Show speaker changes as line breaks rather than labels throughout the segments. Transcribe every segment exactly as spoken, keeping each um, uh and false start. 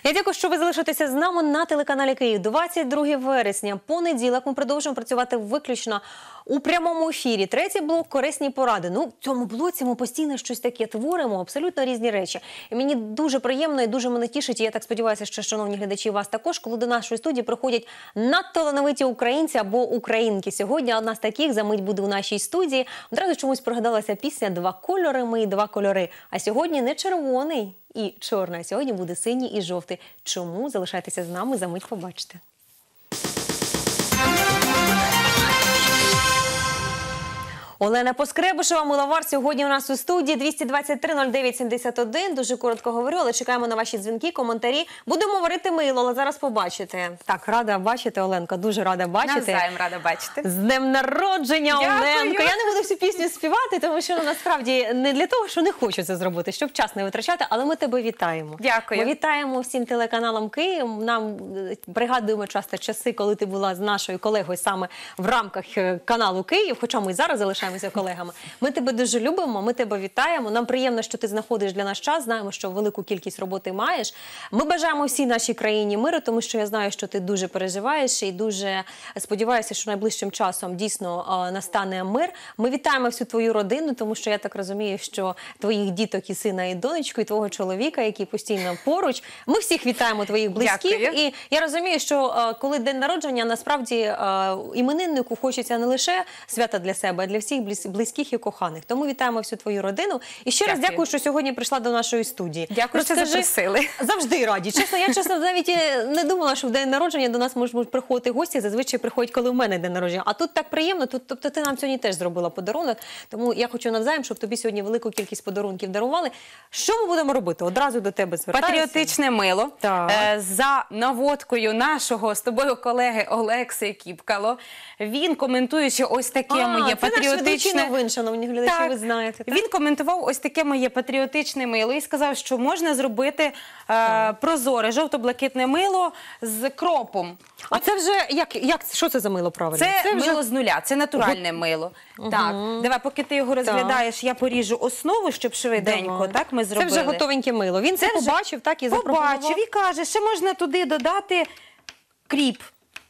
Я дякую, що ви залишитеся з нами на телеканалі Київ. двадцять друге вересня, понеділок. Ми продовжуємо працювати виключно у прямому ефірі. Третій блок – корисні поради. Ну, в цьому блоці ми постійно щось таке творимо, абсолютно різні речі. І мені дуже приємно і дуже мене тішить, і я так сподіваюся, що, шановні глядачі, вас також, коли до нашої студії приходять надталановиті українці або українки. Сьогодні одна з таких за мить буде у нашій студії. Одразу чомусь пригадалася пісня «Два кольори, ми, два кольори». А сьогодні не червоний і чорний, а сьогодні буде синій і жовтий. Чому? Залишайтеся з нами, за мить побачите. Олена Поскребушева, миловар, сьогодні у нас у студії. Двісті двадцять три нуль дев'ять сімдесят один. Дуже коротко говорю, але чекаємо на ваші дзвінки, коментарі. Будемо варити мило, але зараз побачите. Так, рада бачити, Оленка, дуже рада бачити.
Навзаєм рада бачити.
З днем народження, Оленка. Я не буду всю пісню співати, тому що насправді не для того, що не хочу це зробити, щоб час не витрачати, але ми тебе вітаємо.
Дякую.
Ми вітаємо всім телеканалам Київ. Нам пригадуємо часто часи, коли ти була з нашою колегою саме в рамках каналу Київ, хоча ми і зараз залишаємося колегами. Ми тебе дуже любимо, ми тебе вітаємо. Нам приємно, що ти знаходиш для нас час, знаємо, що велику кількість роботи маєш. Ми бажаємо всій нашій країні миру, тому що я знаю, що ти дуже переживаєш і дуже сподіваюся, що найближчим часом дійсно настане мир. Ми вітаємо всю твою родину, тому що я так розумію, що твоїх діток і сина, і донечку, і твого чоловіка, який постійно поруч. Ми всіх вітаємо, твоїх близьких.
Дякую.
І я розумію, що коли день народження, насправді імениннику хочеться не лише свята для себе, а для всіх близьких і коханих. Тому вітаємо всю твою родину. І ще
Дякую.
раз дякую, що сьогодні прийшла до нашої студії.
Дякую, що запросили.
Завжди раді. Чесно, я чесно навіть не думала, що в день народження до нас можуть приходити гості. Зазвичай приходять, коли в мене день народження. А тут так приємно. Тут, тобто ти нам сьогодні теж зробила подарунок. Тому я хочу навзаєм, щоб тобі сьогодні велику кількість подарунків дарували. Що ми будемо робити? Одразу до тебе звертаюся.
Патріотичне мило.
Так.
Е, за наводкою нашого з тобою колеги Олекси Кіпкало. Він, коментуючи ось таке
а,
моє патріотичне...
новин, шановні глядачі,
так.
ви знаєте. Так?
Він коментував ось таке моє патріотичне мило і сказав, що можна зробити е, прозоре жовто-блакитне мило з кропом.
А це вже, як, як, що це за мило правильно?
Це,
це
мило
вже...
з нуля, це натуральне мило. Угу. Так, давай, поки ти його розглядаєш, так. я поріжу основу, щоб швиденько,
давай.
Так, ми зробили.
Це вже готовеньке мило. Він це, це побачив, так, і запропонував.
Побачив і каже, що можна туди додати кріп.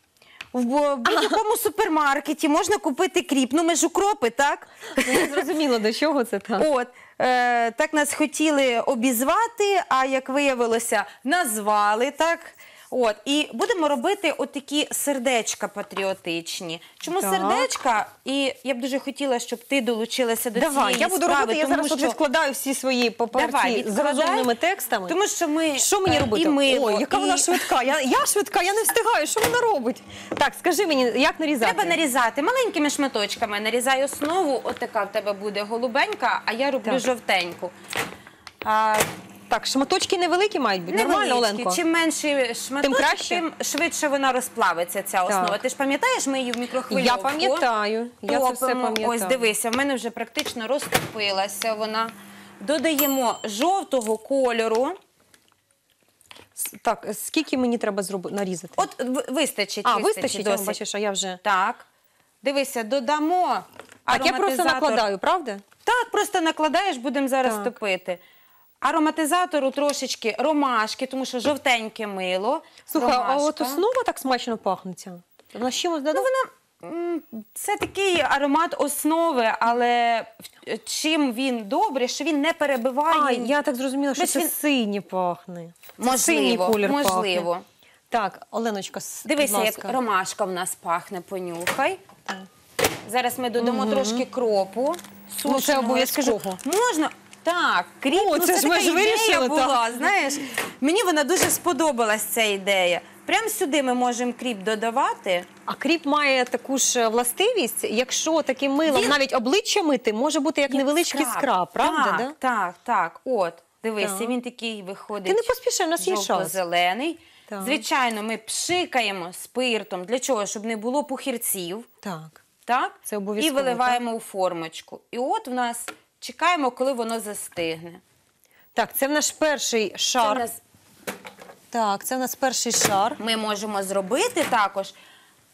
В будь-якому супермаркеті можна купити кріп. Ну, ми ж укропи, так?
Не зрозуміло, до чого це так.
От, е, так нас хотіли обізвати, а як виявилося, назвали, так? От, і будемо робити отакі сердечка патріотичні. Чому так. сердечка? І я б дуже хотіла, щоб ти долучилася до
Давай,
цієї
я буду
справи.
робити, я зараз що... відкладаю всі свої паперці з розумними текстами.
Тому що ми...
Що мені робити?
І мило,
Ой, яка
і...
вона швидка. Я, я швидка, я не встигаю. Що вона робить? Так, скажи мені, як нарізати?
Треба нарізати маленькими шматочками. Нарізай основу, отака в тебе буде голубенька, а я роблю так. жовтеньку. А...
Так, шматочки невеликі мають бути? Нормально, Оленко?
Чим менший шматочок, тим, тим швидше вона розплавиться, ця основа. Так. Ти ж пам'ятаєш, ми її в мікрохвильовку
Я пам'ятаю, я це все пам'ятаю.
Ось, дивися, в мене вже практично розтопилася вона. Додаємо жовтого кольору.
Так, скільки мені треба зробити, нарізати?
От вистачить.
А,
вистачить,
вистачить, бачиш, а я вже...
Так, дивися, додамо
Так, я просто накладаю, правда?
Так, просто накладаєш, будемо зараз так. топити. Ароматизатору трошечки ромашки, тому що жовтеньке мило.
Слухай, ромашка. А от основа так смачно пахнеться? Вона з чимось додає?
Ну, вона, це такий аромат основи, але чим він добре, що він не перебиває.
А, я так зрозуміла, що це він... синій пахне.
Можливо,
синій колір
можливо.
Пахне. Так, Оленочка,
дивися,
будь ласка.
Як ромашка в нас пахне, понюхай. Так. Зараз ми додамо угу. трошки кропу.
Ну, це обов'язково.
Можна... Так, кріп,
О,
ну,
це,
це
ж
така
ж
ідея була,
так.
знаєш. Мені вона дуже сподобалась, ця ідея. Прямо сюди ми можемо кріп додавати.
А кріп має таку ж властивість, якщо таким милом
Він...
навіть обличчя мити, може бути як, як невеличкий скраб, скраб правда?
Так,
да?
так, так. От, дивися, так. він такий виходить.
Ти не поспішай, у нас є час.
Жовто-зелений. Звичайно, ми пшикаємо спиртом. Для чого? Щоб не було пухирців.
Так.
Так?
Це обов'язково.
І виливаємо
так?
у формочку. І от в нас... Чекаємо, коли воно застигне.
Так, це в наш перший шар. Це нас... Так, це в нас перший шар.
Ми можемо зробити також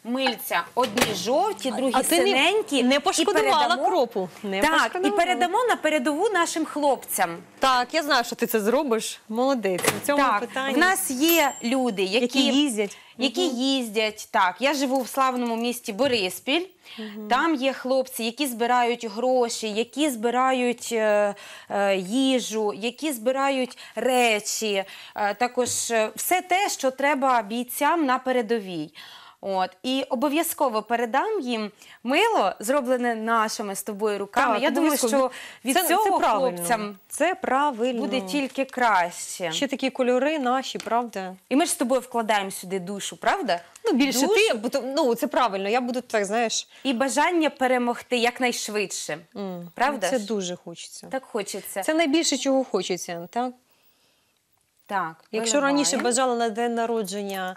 мильця. Одні жовті, другі
А ти не-
синенькі.
не
І
пошкодувала
передамо-
кропу. Не
Так, і
пошкодувала.
передамо на передову нашим хлопцям.
Так, я знаю, що ти це зробиш. Молодець. У цьому
Так,
питанні.
в нас є люди, які,
Які їздять.
які їздять. Так, я живу в славному місті Бориспіль. Там є хлопці, які збирають гроші, які збирають е, е, їжу, які збирають речі. Е, також е, все те, що треба бійцям на передовій. От. І обов'язково передам їм мило, зроблене нашими з тобою руками.
Так,
я думаю,
обов'язково.
що від
Це- це
цього
правильно.
хлопцям
Це правильно.
буде тільки краще.
Ще такі кольори наші, правда?
І ми ж з тобою вкладаємо сюди душу, правда?
Ну, більше
Душу
ти, бо то- ну, це правильно. Я буду так, знаєш.
і бажання перемогти якнайшвидше.
м,
Правда
Це
ж?
дуже хочеться.
Так хочеться.
Це найбільше, чого хочеться, так?
Так,
Якщо
виливаємо.
раніше бажала на день народження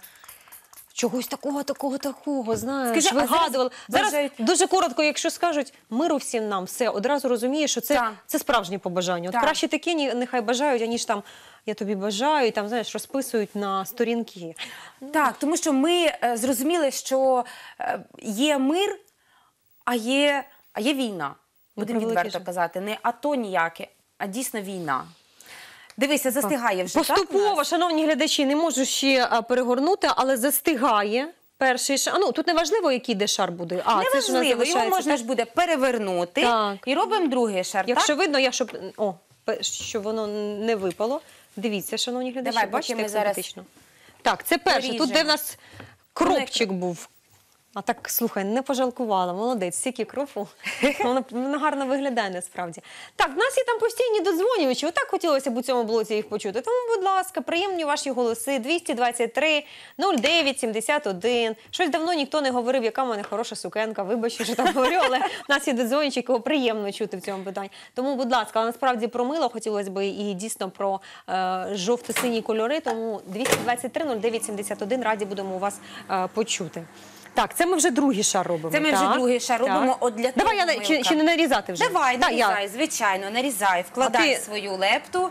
чогось такого, такого, такого, знаєш,
Скажи, а зараз
вигадувала. Зараз,
бажають-
дуже коротко, якщо скажуть миру всім нам, все, одразу розумієш, що це,
Так.
це справжнє побажання. От
Так.
краще такі ні- нехай бажають, аніж там я тобі бажаю, і там, знаєш, розписують на сторінки.
Так, тому що ми е, зрозуміли, що е, є мир, а є, а є війна. Будемо
превеликий
відверто
жаль.
казати. Не АТО ніяке, а дійсно війна. Дивися, застигає вже. так, у
Поступово,
нас?
шановні глядачі, не можу ще а, перегорнути, але застигає перший шар. А, ну, тут не важливо, який де шар буде. А, це ж у нас
Неважливо, його
залишається.
можна ж буде перевернути
Так.
і робимо другий шар.
Якщо
так?
видно, я щоб о, пе- щоб воно не випало. Дивіться, шановні глядачі,
Давай, поки
бачите,
ми
як
зараз
симпатично. Так, це перше. Тут, де
поріжемо.
в нас кропчик був. А так, слухай, не пожалкувала, молодець, стільки кропу. Воно, воно гарно виглядає насправді. Так, в нас є там постійні додзвонювачі. Отак хотілося б у цьому блоці їх почути. Тому, будь ласка, приємні ваші голоси. двісті двадцять три нуль дев'ять сімдесят один. Щось давно ніхто не говорив, яка в мене хороша сукенка. Вибачте, що так говорю, але в нас є додзвонювачі, кого приємно чути в цьому питанні. Тому, будь ласка, але насправді про мило хотілося б і дійсно про е, жовто-сині кольори. Тому двісті двадцять три нуль дев'ять сімдесят один раді будемо у вас е, почути. Так, це ми вже другий шар робимо.
Це ми вже
так?
другий шар
Так.
робимо. От для
Давай я
того
на- чи,
милка.
чи не нарізати вже?
Давай,
Так, я-
нарізай, звичайно, нарізай, вкладай
А ти-
свою лепту.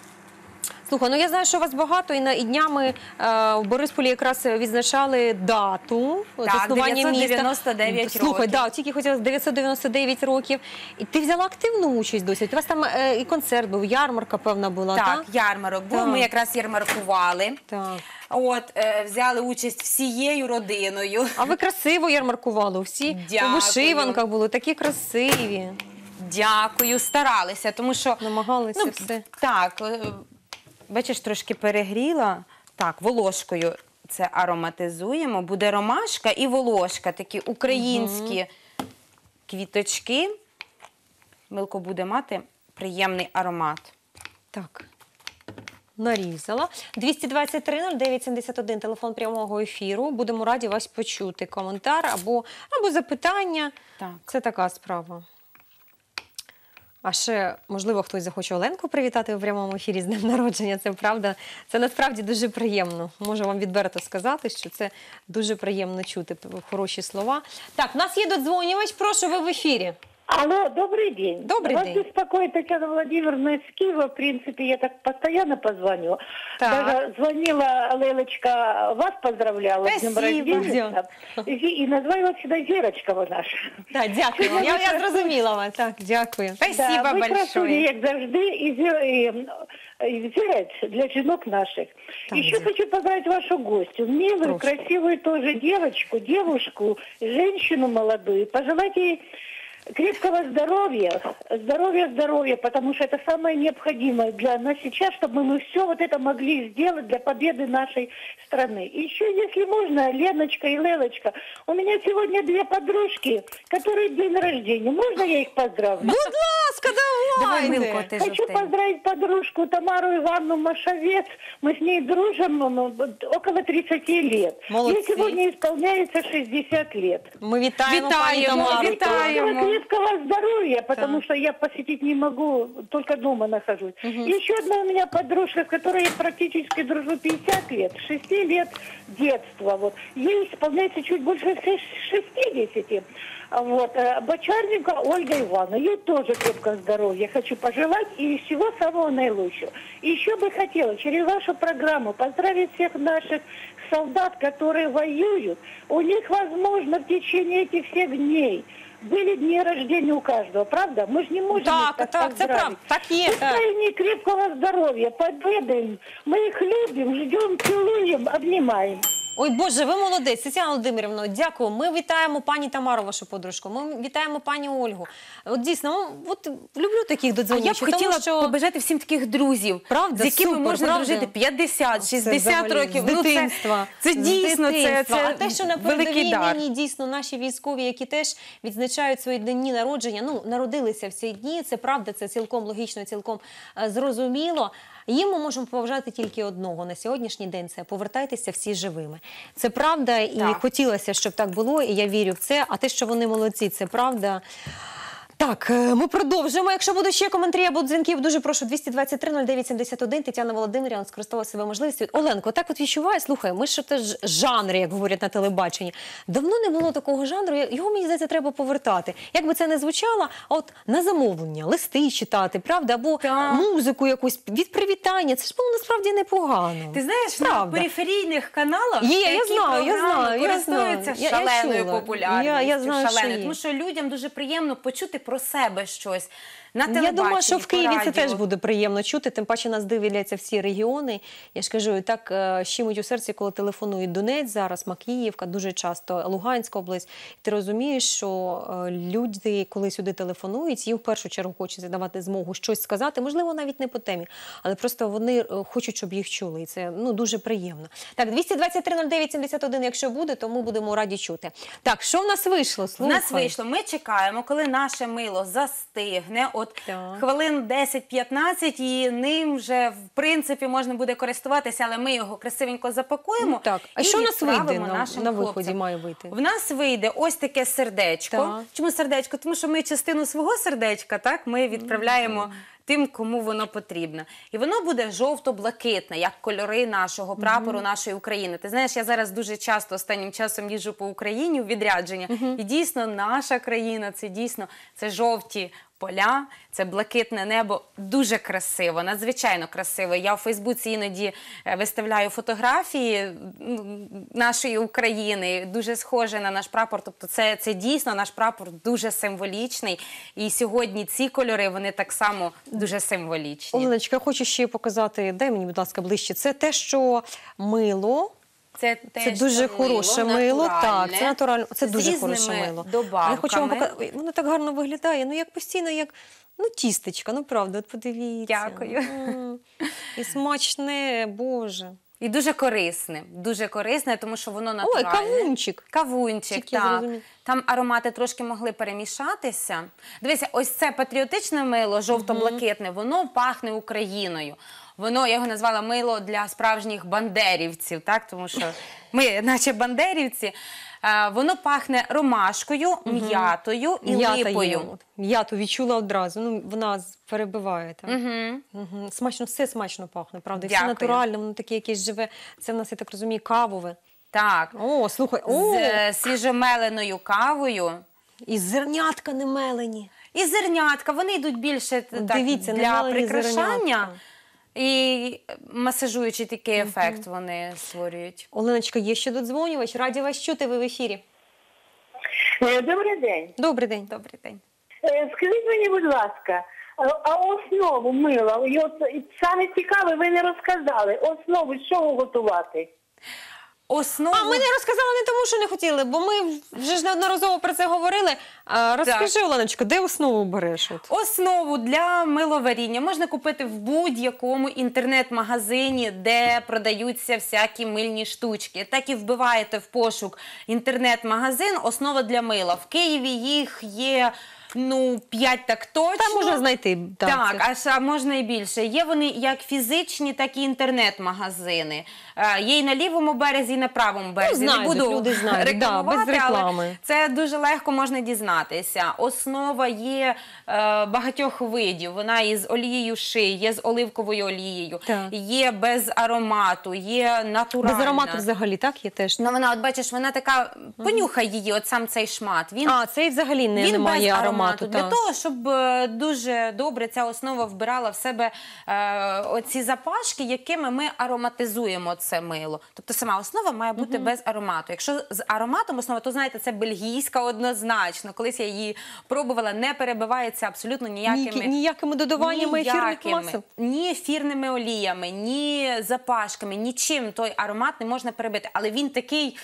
Слухай, ну я знаю, що у вас багато, і, на, і днями е, в Борисполі якраз відзначали дату заснування
дев'ятсот дев'яносто
міста.
дев'ять
Слухай,
років.
да, тільки хотіла дев'ятсот дев'яносто дев'ять років. І ти взяла активну участь досі. У вас там е, і концерт був, ярмарка, певна була, так?
Так, ярмарок був,
Так.
ми якраз ярмаркували.
Так.
От, е, взяли участь всією родиною.
А ви красиво ярмаркували, всі
Дякую.
у вишиванках були, такі красиві.
Дякую, старалися, тому що...
Намагалися
Ну,
все.
Так, е, бачиш, трошки перегріла. Так, волошкою це ароматизуємо. Буде ромашка і волошка, такі українські квіточки. Милко буде мати приємний аромат.
Так. Нарізала. двісті двадцять три нуль дев'ять сімдесят один, телефон прямого ефіру. Будемо раді вас почути. Коментар або, або запитання.
Так.
Це така справа. А ще, можливо, хтось захоче Оленку привітати у прямому ефірі з днем народження. Це правда. Це насправді дуже приємно. Можу вам відверто сказати, що це дуже приємно чути хороші слова. Так, в нас є додзвонювач. Прошу, ви в ефірі.
Алло, добрый день.
Добрый
Вас
день.
беспокоит Татьяна Владимировна из Киева. В принципе, я так постоянно позвоню.
Так.
Даже звонила Лейлочка, вас поздравляла с днем
Спасибо.
рождения. И, и называю вас всегда Верочка вы наша.
Так, дякую. Я, я зрозуміла вас. Так, дякую.
Спасибо
да, ви красуні,
большое.
як завжди, і, зі- і, і взірець для жінок наших.
Так,
Еще
дякую.
хочу поздравить вашу гостью. Милую,
Прошу.
красивую тоже девочку, девушку, женщину молодую. Пожелать ей крепкого здоровья, здоровья, здоровья, потому что это самое необходимое для нас сейчас, чтобы мы все вот это могли сделать для победы нашей страны. И еще, если можно, Леночка и Лелочка, у меня сегодня две подружки, которые день рождения. Можно я их поздравлю?
Будь ласка,
Давай,
давайте.
Милко, ти
Хочу
жовтий.
поздравить подружку Тамару Ивановну Машовец. Мы с ней дружим ну, около тридцати лет.
Молодцы.
Ей сегодня исполняется шестьдесят лет.
Ми вітаємо, пані
Вітаємо,
Тамару.
вітаємо.
Крепкого здоровья, потому
Так.
что я посетить не могу, только дома нахожусь. Еще одна у меня подружка, с которой я практически дружу пятьдесят лет, с шести лет детства. Вот. Ей исполняется чуть больше шестидесяти. Вот. э, Бочаренко Ольга Ивановна, ей тоже крепкого здоровья хочу пожелать и всего самого наилучшего. И еще бы хотела через вашу программу поздравить всех наших солдат, которые воюют. У них, возможно, в течение этих всех дней были дни рождения у каждого, правда? Мы же не можем
Так,
их так
так, це
поздравить.
правда. Так є, так.
Пускай они крепкого здоровья, победы им. Мы их любим, ждем, целуем, обнимаем.
Ой, Боже, ви молодець. Тетяна Володимирівна, дякую. Ми вітаємо пані Тамару, вашу подружку. Ми вітаємо пані Ольгу. От дійсно, ну, от люблю таких
А я б
додзвонючих,
хотіла
тому що...
побажати всім таких друзів,
Правда,
з якими
супер,
можна
правда.
дружити п'ятдесят,
Це
шістдесят
взагалі
років.
з
Ну, це-
дитинства.
Це
З
дійсно, це,
дитинства.
це
А те, що на
великий
передовій
дар.
нині дійсно наші військові, які теж відзначають свої дні народження, ну, народилися в ці дні, це правда, це цілком логічно, цілком е, зрозуміло. Їм ми можемо побажати тільки одного на сьогоднішній день – це повертайтеся всі живими. Це правда, і
Так.
хотілося, щоб так було, і я вірю в це. А те, що вони молодці, це правда. Так, е, ми продовжуємо. Якщо будуть ще коментарі або дзвінків, дуже прошу двісті двадцять три нуль дев'ять сімдесят один. Тетяна Володимирівна скористала себе можливістю. Оленко, так от відчуваю, слухай, ми ж теж жанри, як говорять на телебаченні. Давно не було такого жанру, його, мені здається, треба повертати. Як би це не звучало, а от на замовлення, листи читати, правда, або
Так.
музику якусь від привітання. Це ж було насправді непогано.
Ти знаєш, на
Правда.
периферійних каналах
Є, я
такі
знаю, я
програми
знаю, я
користуються
знаю. Я- я
шаленою
чула.
популярністю.
Я- я знаю, що
шаленою,
є.
тому що людям дуже приємно почути про себе щось на телебаченні,
Я думаю, що в
по
Києві це
радіо.
теж буде приємно чути, тим паче нас дивляться всі регіони. Я ж кажу, і так е, щемить у серці, коли телефонують Донець зараз, Макіївка, дуже часто Луганська область. Ти розумієш, що е, люди, коли сюди телефонують, їм в першу чергу хочеться давати змогу щось сказати, можливо, навіть не по темі, але просто вони е, хочуть, щоб їх чули, і це ну, дуже приємно. Так, двісті двадцять три нуль дев'ять сімдесят один, якщо буде, то ми будемо раді чути. Так, що в нас вийшло?
В
Слухай.
нас вийшло. Ми чекаємо, коли наше мило застигне, от
Так.
хвилин десять-п'ятнадцять, і ним вже, в принципі, можна буде користуватися, але ми його красивенько запакуємо.
Ну, так. А
і
що у нас вийде
відправимо
на,
нашим
на виході
хлопцям.
має вийти?
В нас вийде ось таке сердечко.
Так.
Чому сердечко? Тому що ми частину свого сердечка, так, ми відправляємо тим, кому воно потрібно. І воно буде жовто-блакитне, як кольори нашого прапору, нашої України. Ти знаєш, я зараз дуже часто останнім часом їжджу по Україні у відрядження. І дійсно наша країна, це дійсно це жовті поля, це блакитне небо. Дуже красиво, надзвичайно красиво. Я у Фейсбуці іноді е, виставляю фотографії м, нашої України, дуже схоже на наш прапор. Тобто це, це дійсно наш прапор дуже символічний. І сьогодні ці кольори, вони так само дуже символічні.
Оленочка, я хочу ще показати, дай мені, будь ласка, ближче. Це те, що мило.
Це,
Це
теж
дуже
мило,
хороше мило, так,
натуральне,
це натурально, це
з
дуже
різними
хороше мило.
добавками.
Я хочу вам показати, воно так гарно виглядає, ну як постійно, як ну тістечка, ну правда, от подивіться.
Дякую.
М. І смачне, Боже.
І дуже корисне, дуже корисне, тому що воно
Ой,
натуральне.
кавунчик.
Кавунчик,
Тільки
так.
зрозумів.
Там аромати трошки могли перемішатися. Дивися, ось це патріотичне мило, жовто-блакитне, воно пахне Україною. Воно, я його назвала мило для справжніх бандерівців, так? Тому що ми, наче бандерівці. Е, Воно пахне ромашкою, м'ятою і
М'ята є,
липою.
от. М'яту відчула одразу, ну вона з- перебиває. Так.
Угу.
Мгм. Смачно, все смачно пахне, правда. І все
Дякую.
натуральне, воно таке якесь живе. Це в нас, я так розумію, кавове.
Так.
О, слухай, о,
З е, свіжомеленою кавою.
і зернятка не мелені.
І зернятка, вони йдуть більше т- так,
Дивіться,
для
немалені
прикрашання.
зернятка.
І масажуючий такий ефект вони створюють.
Оленочка, є ще додзвонювач. Раді вас чути, ви в ефірі.
Е, Добрий день.
Добрий день.
Добрий день.
Е, Скажіть мені, будь ласка, а а основу мила, і от і саме цікаве, ви не розказали, основу з чого готувати?
Основу...
А ми не розказали не тому, що не хотіли, бо ми вже ж неодноразово про це говорили. А, розкажи, Оленочка, де основу береш? От?
Основу для миловаріння можна купити в будь-якому інтернет-магазині, де продаються всякі мильні штучки. Так і вбиваєте в пошук інтернет-магазин «Основа для мила». В Києві їх є ну, п'ять так точно.
Та можна знайти. Так,
Так,
це-
а ж- а можна і більше. Є вони як фізичні, так і інтернет-магазини. Е, Є і на лівому березі, і на правому березі. Не
знайдуть,
буду
люди знайдуть, да,
рекламувати,
без реклами.
але це дуже легко можна дізнатися. Основа є е, багатьох видів. Вона із олією ши, є з оливковою олією,
Так.
є без аромату, є натуральна.
Без аромату взагалі, так, є теж?
Ну, вона, от бачиш, вона така, понюхай її, от сам цей шмат. Він
А, це і взагалі не,
він
немає
без
аромату.
Для
так.
того, щоб е, дуже добре ця основа вбирала в себе е, оці запашки, якими ми ароматизуємо це мило. Тобто сама основа має бути без аромату. Якщо з ароматом основа, то знаєте, це бельгійська однозначно. Колись я її пробувала, не перебивається абсолютно ніякими...
Ніякі- ніякими додаваннями ефірних
ніякими.
масел?
Ні ефірними оліями, ні запашками, нічим той аромат не можна перебити. Але він такий...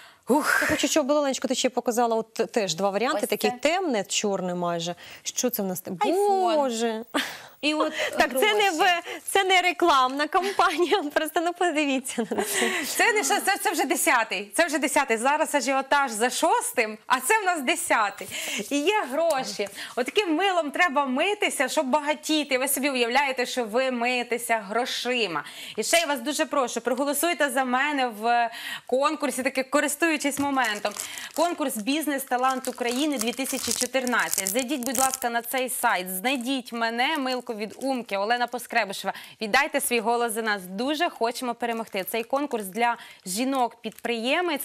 Ух.
Я хочу, щоб Оленочко, ти ще показала от теж два варіанти,
Ось
таке
це.
темне, чорне майже. Що це в нас?
Айфон.
Боже!
І от
Так, це не,
гроші.
в, це не рекламна кампанія, просто ну подивіться на це.
Це не що, це, це вже десятий. Це вже десятий. Зараз ажіотаж за шостим, а це в нас десятий. І є гроші. Отаким милом треба митися, щоб багатіти. Ви собі уявляєте, що ви миєтеся грошима. І ще я вас дуже прошу, проголосуйте за мене в конкурсі, таки користуючись моментом. Конкурс «Бізнес-талант України дві тисячі чотирнадцять». Зайдіть, будь ласка, на цей сайт, знайдіть мене, Милку від Умки, Олена Поскребишева. Віддайте свій голос за нас. Дуже хочемо перемогти. Цей конкурс для жінок-підприємець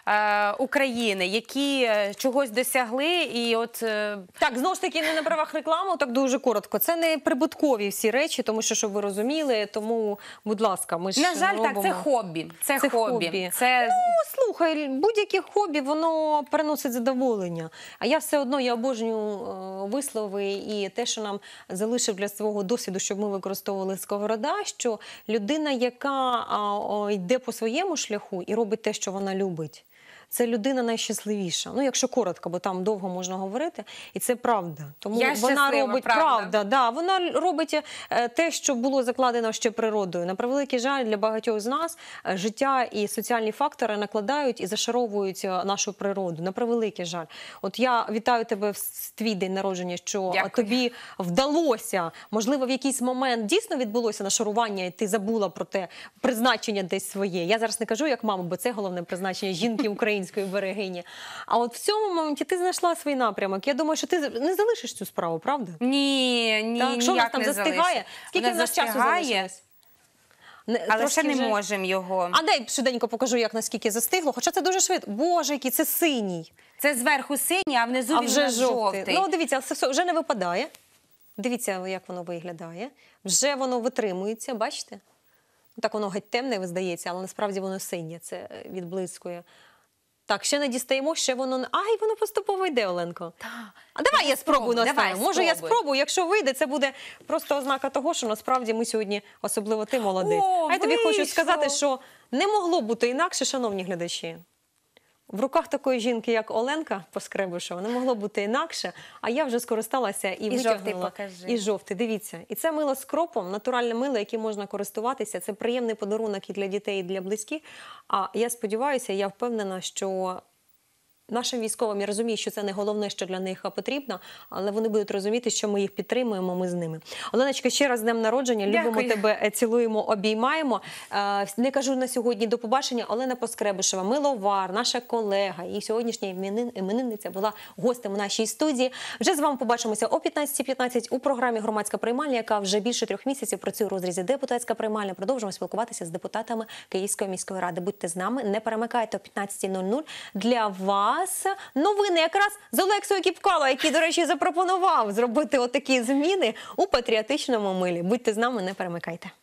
е, України, які е, чогось досягли. І от е,
Так, знову ж таки, не на правах реклами, так дуже коротко. Це не прибуткові всі речі, тому що, щоб ви розуміли, тому, будь ласка, ми ж
на жаль, так,
робимо...
це хобі. Це,
Це
хобі.
хобі.
Це
Ну, слухай, будь-яке хобі, воно приносить задоволення. А я все одно, я обожнюю е, вислови і те, що нам залишив для свого досвіду, щоб ми використовували Сковорода, що людина, яка а, о, йде по своєму шляху і робить те, що вона любить, це людина найщасливіша. Ну, якщо коротко, бо там довго можна говорити, і це правда. Тому
Я
вона
щаслива,
робить
правда.
правда, да, вона робить е, те, що було закладено ще природою. На превеликий жаль, для багатьох з нас е, життя і соціальні фактори накладають і зашаровують е, нашу природу. На превеликий жаль. От я вітаю тебе в с- твій день народження, що е,
Дякую.
тобі вдалося, можливо, в якийсь момент дійсно відбулося нашарування, і ти забула про те призначення десь своє. Я зараз не кажу як мама, бо це головне призначення жінки української берегині. А от в цьому моменті ти знайшла свій напрямок. Я думаю, що ти не залишиш цю справу, правда?
ні, ні,
Так, що в нас
ніяк
там
не
застигає?
залишить.
Скільки
Вона
в нас часу
застигає,
залишилось? Не,
але
трошки
ще не
вже-
можемо його.
А дай швиденько покажу, як наскільки застигло. Хоча це дуже швидко. Боже, який це синій.
Це зверху синій, а внизу
А
він у
вже
нас
жовтий.
жовтий.
Ну, дивіться, це все вже не випадає. Дивіться, як воно виглядає. Вже воно витримується, бачите? Так воно геть темне, здається, але насправді воно синє. Це е, відблискує. Так, ще не дістаємо, ще воно... не- Ай, воно поступово йде, Оленко. А давай я спробую
спробуй,
наставити.
давай,
Може, я
спробуй.
спробую. Якщо вийде, це буде просто ознака того, що насправді ми сьогодні, особливо ти, молодець.
О,
а я тобі хочу
вийшло.
сказати, що не могло бути інакше, шановні глядачі. В руках такої жінки, як Оленка Поскребишева, не могло бути інакше, а я вже скористалася і,
І
витягнула.
жовтий покажи.
І жовтий, дивіться. І це мило з кропом, натуральне мило, яким можна користуватися. Це приємний подарунок і для дітей, і для близьких. А я сподіваюся, я впевнена, що нашим військовим, я розумію, що це не головне, що для них потрібно, але вони будуть розуміти, що ми їх підтримуємо, ми з ними. Оленочка, ще раз з днем народження. Любимо
Дякую.
тебе, е, цілуємо, обіймаємо. Е, Не кажу на сьогодні до побачення. Олена Поскребишева, миловар, наша колега і сьогоднішня іменин- іменинниця була гостем у нашій студії. Вже з вами побачимося о п'ятнадцятій п'ятнадцять у програмі «Громадська приймальня», яка вже більше трьох місяців працює у розрізі «Депутатська приймальня». Продовжуємо спілкуватися з депутатами Київської міської ради. Будьте з нами, не перемикайте о п'ятнадцятій нуль нуль. Для вас новини якраз з Олексою Кіпкало, який, до речі, запропонував зробити отакі зміни у патріотичному милі. Будьте з нами, не перемикайте.